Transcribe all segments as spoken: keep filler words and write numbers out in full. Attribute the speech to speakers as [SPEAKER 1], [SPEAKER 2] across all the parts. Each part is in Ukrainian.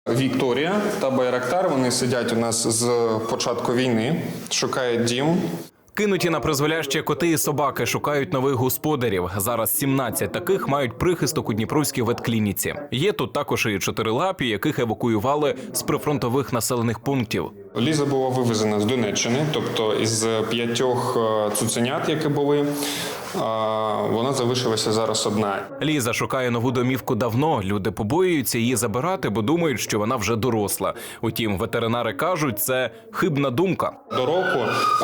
[SPEAKER 1] Вікторія та Байрактар, вони сидять у нас з початку війни, шукають дім.
[SPEAKER 2] Кинуті на призволяще коти і собаки шукають нових господарів. Зараз сімнадцять таких мають прихисток у Дніпровській ветклініці. Є тут також і чотирилапі, яких евакуювали з прифронтових населених пунктів.
[SPEAKER 1] Ліза була вивезена з Донеччини, тобто із п'ятьох цуценят, які були, вона залишилася зараз одна.
[SPEAKER 2] Ліза шукає нову домівку давно. Люди побоюються її забирати, бо думають, що вона вже доросла. Утім, ветеринари кажуть, це хибна думка.
[SPEAKER 1] До року,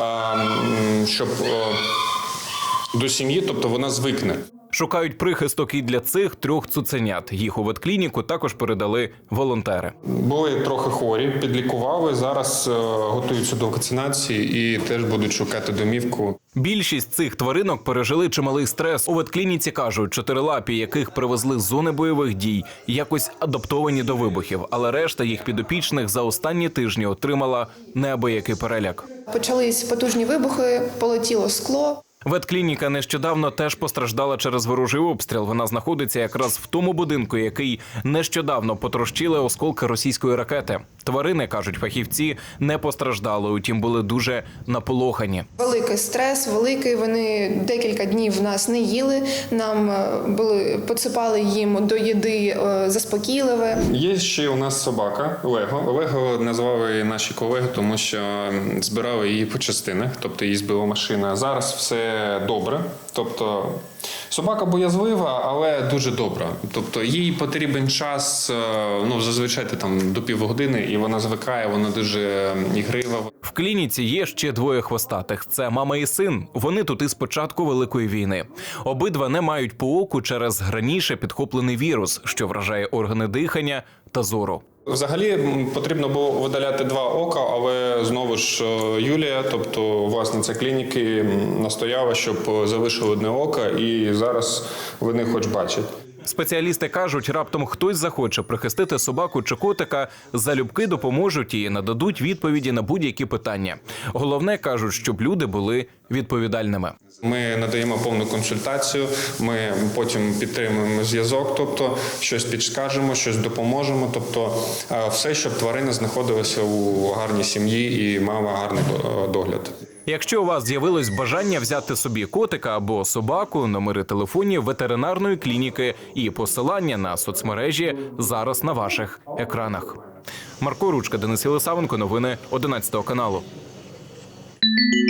[SPEAKER 1] щоб до сім'ї, тобто вона звикне.
[SPEAKER 2] Шукають прихисток і для цих трьох цуценят. Їх у ветклініку також передали волонтери.
[SPEAKER 1] Були трохи хворі, підлікували, зараз готуються до вакцинації і теж будуть шукати домівку.
[SPEAKER 2] Більшість цих тваринок пережили чималий стрес. У ветклініці кажуть, чотирилапі, яких привезли з зони бойових дій, якось адаптовані до вибухів. Але решта їх підопічних за останні тижні отримала неабиякий переляк.
[SPEAKER 3] Почались потужні вибухи, полетіло скло.
[SPEAKER 2] Ветклініка нещодавно теж постраждала через ворожий обстріл. Вона знаходиться якраз в тому будинку, який нещодавно потрощили осколки російської ракети. Тварини, кажуть фахівці, не постраждали, утім були дуже наполохані.
[SPEAKER 3] Великий стрес, великий. Вони декілька днів нас не їли. Нам були, підсипали їм до їди заспокійливе.
[SPEAKER 1] Є ще у нас собака Лего. Лего назвали наші колеги, тому що збирали її по частинах, тобто її збила машина. Зараз все добре, тобто собака боязлива, але дуже добра. Тобто їй потрібен час, ну зазвичай там до півгодини, і вона звикає, вона дуже ігрива.
[SPEAKER 2] В клініці є ще двоє хвостатих. Це мама і син. Вони тут із початку Великої війни. Обидва не мають по оку через раніше підхоплений вірус, що вражає органи дихання та зору.
[SPEAKER 1] Взагалі потрібно було видаляти два ока, але знову ж Юлія, тобто власниця клініки, настояла, щоб залишили одне око, і зараз вони хоч бачать.
[SPEAKER 2] Спеціалісти кажуть, раптом хтось захоче прихистити собаку чи котика, залюбки допоможуть і нададуть відповіді на будь-які питання. Головне, кажуть, щоб люди були відповідальними.
[SPEAKER 1] Ми надаємо повну консультацію, ми потім підтримуємо зв'язок, тобто щось підскажемо, щось допоможемо, тобто все, щоб тварина знаходилася у гарній сім'ї і мала гарний догляд.
[SPEAKER 2] Якщо у вас з'явилось бажання взяти собі котика або собаку, номери телефонів ветеринарної клініки і посилання на соцмережі зараз на ваших екранах. Марко Ручка, Денис Єлисавенко, новини одинадцятого каналу.